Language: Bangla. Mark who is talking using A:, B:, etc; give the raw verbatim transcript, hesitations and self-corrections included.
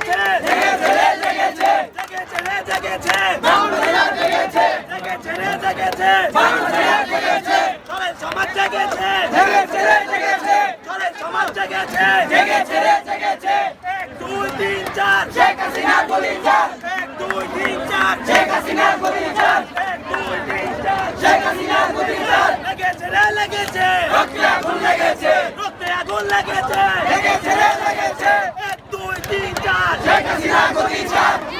A: জেগেছে জেগেছে রে জেগেছে জেগেছে রে জেগেছে বাংলা জেগেছে জেগেছে রে জেগেছে বাংলা জেগেছে চলে সমাজ জেগেছে জেগেছে রে জেগেছে চলে সমাজ জেগেছে জেগেছে রে জেগেছে এক দুই তিন চার শেখ হাসিনা গুলি চার এক দুই তিন চার শেখ হাসিনা গুলি চার এক দুই তিন চার শেখ হাসিনা গুলি চার লেগেছে রে লেগেছে রক্তে আগুন লেগেছে রক্তে আগুন লেগেছে লেগেছে রে লেগেছে এক দুই তিন চার শেখ হাসিনা গুলি চার